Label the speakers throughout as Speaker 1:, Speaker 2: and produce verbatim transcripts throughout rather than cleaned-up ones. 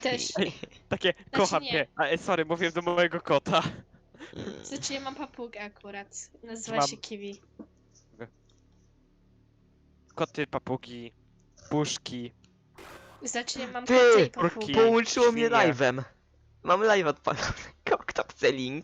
Speaker 1: Też.
Speaker 2: Takie, kocham
Speaker 1: nie.
Speaker 2: cię. A, e, sorry, mówiłem do mojego kota.
Speaker 1: Znaczy ja mam papugę akurat. Nazywa
Speaker 2: Mam-
Speaker 1: się Kiwi.
Speaker 2: Koty, papugi, puszki.
Speaker 1: Znaczy ja mam
Speaker 3: Ty,
Speaker 1: kota i
Speaker 2: kurki.
Speaker 1: papugę.
Speaker 3: Połączyło mnie
Speaker 2: świnie.
Speaker 3: live'em. Mam live odpalonego. Kto chce link?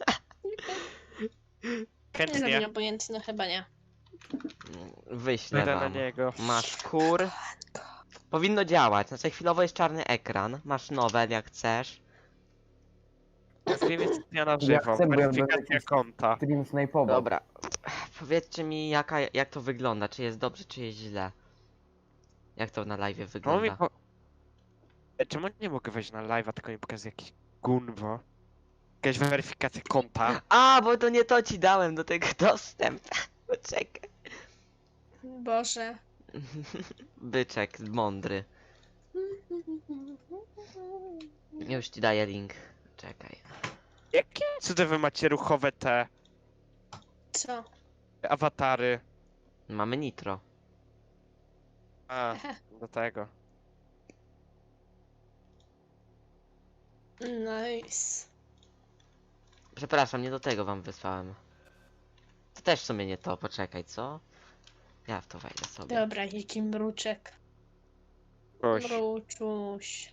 Speaker 1: Nie
Speaker 2: Chętnie.
Speaker 1: wiem, obojętny, no chyba nie.
Speaker 3: Wyślę
Speaker 2: Będę na
Speaker 3: wam.
Speaker 2: niego.
Speaker 3: Masz kur. Powinno działać, znaczy chwilowo jest czarny ekran. Masz nowe jak chcesz.
Speaker 2: Nazwijmy dnia na
Speaker 4: Ja
Speaker 2: żywo.
Speaker 4: chcę, bo ja
Speaker 2: Weryfikacja
Speaker 4: będę jakiś-
Speaker 2: konta.
Speaker 4: Stream snajpował.
Speaker 3: Dobra. Powiedzcie mi jaka, jak to wygląda, czy jest dobrze, czy jest źle. Jak to na live
Speaker 2: Czemu, mi
Speaker 3: wygląda?
Speaker 2: po... E, Czemu nie mogę wejść na live'a, tylko mi pokazuje jakieś gunwo? Jakaś weryfikacja konta.
Speaker 3: A, bo to nie to ci dałem do tego dostęp. Poczekaj.
Speaker 1: Boże.
Speaker 3: Byczek mądry. Już ci daję link. Czekaj.
Speaker 2: Jakie cudy wy macie ruchowe te
Speaker 1: Co?
Speaker 2: awatary?
Speaker 3: Mamy nitro.
Speaker 2: A, do tego.
Speaker 1: Nice.
Speaker 3: Przepraszam, nie do tego wam wysłałem. To też w sumie nie to, poczekaj, co? Ja w to wejdę sobie.
Speaker 1: Dobra, jaki mruczek.
Speaker 2: Gość.
Speaker 1: Mruczuś.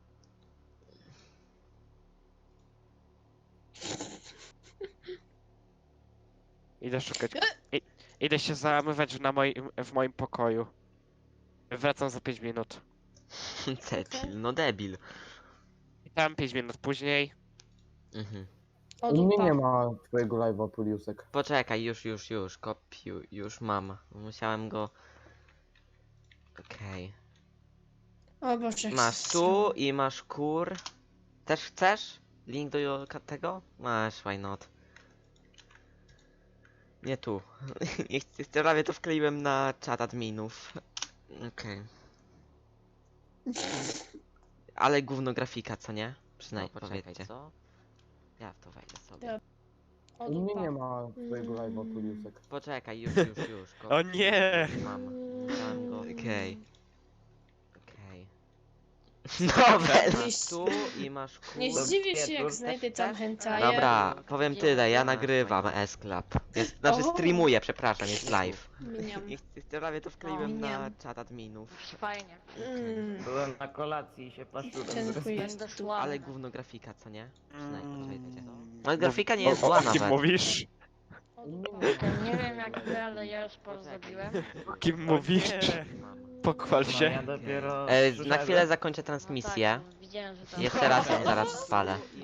Speaker 2: Idę szukać. I, idę się załamywać na moim, w moim pokoju. Wracam za pięć minut.
Speaker 3: Debil, no debil.
Speaker 2: I tam pięć minut później.
Speaker 3: Mhm.
Speaker 1: O,
Speaker 4: U mnie
Speaker 1: dupa.
Speaker 4: nie ma twojego live'a, Puliusek.
Speaker 3: Poczekaj, już, już, już, kopiu, już mam. Musiałem go... Okej.
Speaker 1: O Boże.
Speaker 3: Masz tu i masz kur. Też chcesz? Link do jo- tego? Masz, why not? Nie tu. Nie chcę, prawie to wkleiłem na czat adminów. Okej. Ale gówno grafika, co nie? Przynajmniej,
Speaker 1: No,
Speaker 3: poczekajcie. Co? Ja w to wejdę sobie.
Speaker 1: Dobra. O,
Speaker 4: U mnie
Speaker 1: dupa.
Speaker 4: nie ma twojego live'a, Puliusek.
Speaker 3: Poczekaj, już, już, już. Kopiuj.
Speaker 2: O nie!
Speaker 3: Mam. Musiałem go. Okej. Okej. Nowe!
Speaker 1: Nie
Speaker 3: Masz tu i masz kur.
Speaker 1: Nie zdziwię się, jak znajdę tam hentaja.
Speaker 3: Dobra, powiem tyle, ja nagrywam S-Club. Jest, znaczy
Speaker 1: O.
Speaker 3: streamuję, przepraszam, jest live.
Speaker 1: Miniam.
Speaker 3: Nie chcę, prawie to wkleiłem na
Speaker 1: Miniam.
Speaker 3: czat adminów.
Speaker 5: Fajnie.
Speaker 1: Mm.
Speaker 6: Byłem na kolacji i się paszczurem
Speaker 1: Dziękuję.
Speaker 5: Będę szła.
Speaker 3: Ale gówno grafika, co nie? Przynajmniej, poczekajcie.
Speaker 2: Mm,
Speaker 3: No grafika nie jest
Speaker 2: o-
Speaker 3: zła
Speaker 2: o kim
Speaker 3: nawet.
Speaker 2: mówisz?
Speaker 1: O,
Speaker 4: U mnie
Speaker 1: dupa.
Speaker 4: nie ma.
Speaker 5: Nie wiem jak wy, ale ja już sporo zrobiłem.
Speaker 2: O kim mówisz? Pochwal
Speaker 6: No,
Speaker 2: się.
Speaker 6: ja dopiero
Speaker 3: E, na
Speaker 6: przyszedłem.
Speaker 3: chwilę zakończę
Speaker 5: No
Speaker 3: transmisję.
Speaker 5: tak, widziałem, że tam...
Speaker 3: Jeszcze raz ją zaraz spalę.